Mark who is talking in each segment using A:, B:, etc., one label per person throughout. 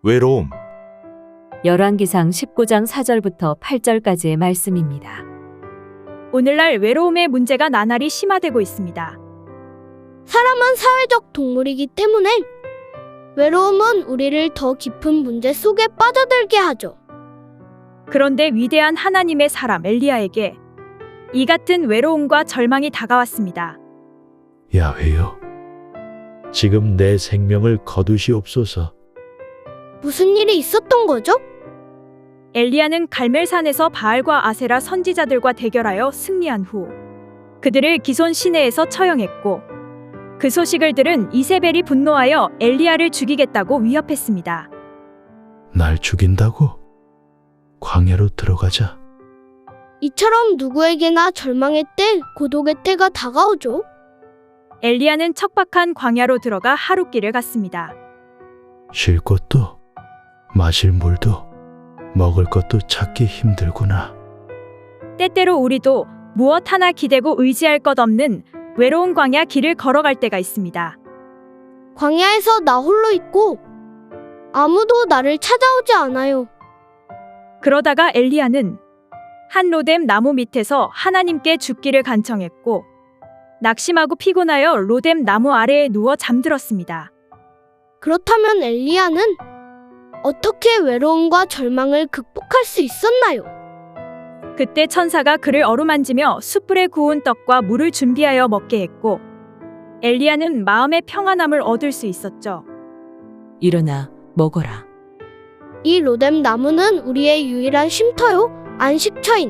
A: 외로움.
B: 열왕기상 19장 4절부터 8절까지의 말씀입니다.
C: 오늘날 외로움의 문제가 나날이 심화되고 있습니다.
D: 사람은 사회적 동물이기 때문에 외로움은 우리를 더 깊은 문제 속에 빠져들게 하죠.
C: 그런데 위대한 하나님의 사람 엘리야에게 이 같은 외로움과 절망이 다가왔습니다.
E: 야훼여, 지금 내 생명을 거두시옵소서.
D: 무슨 일이 있었던 거죠?
C: 엘리야는 갈멜산에서 바알과 아세라 선지자들과 대결하여 승리한 후 그들을 기손 시내에서 처형했고, 그 소식을 들은 이세벨이 분노하여 엘리야를 죽이겠다고 위협했습니다.
E: 날 죽인다고? 광야로 들어가자.
D: 이처럼 누구에게나 절망의 때, 고독의 때가 다가오죠.
C: 엘리야는 척박한 광야로 들어가 하룻길을 갔습니다.
E: 쉴 곳도, 마실 물도, 먹을 것도 찾기 힘들구나.
C: 때때로 우리도 무엇 하나 기대고 의지할 것 없는 외로운 광야 길을 걸어갈 때가 있습니다.
D: 광야에서 나 홀로 있고 아무도 나를 찾아오지 않아요.
C: 그러다가 엘리야는 한 로뎀 나무 밑에서 하나님께 죽기를 간청했고, 낙심하고 피곤하여 로뎀 나무 아래에 누워 잠들었습니다.
D: 그렇다면 엘리야는 어떻게 외로움과 절망을 극복할 수 있었나요?
C: 그때 천사가 그를 어루만지며 숯불에 구운 떡과 물을 준비하여 먹게 했고, 엘리야는 마음의 평안함을 얻을 수 있었죠.
B: 일어나 먹어라.
D: 이 로뎀 나무는 우리의 유일한 쉼터요, 안식처인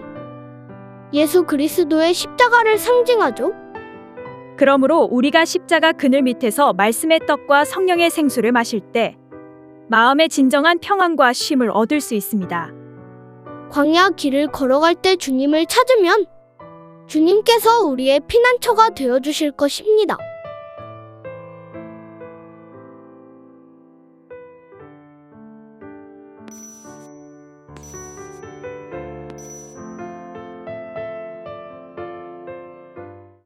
D: 예수 그리스도의 십자가를 상징하죠.
C: 그러므로 우리가 십자가 그늘 밑에서 말씀의 떡과 성령의 생수를 마실 때 마음의 진정한 평안과 쉼을 얻을 수 있습니다.
D: 광야 길을 걸어갈 때 주님을 찾으면 주님께서 우리의 피난처가 되어주실 것입니다.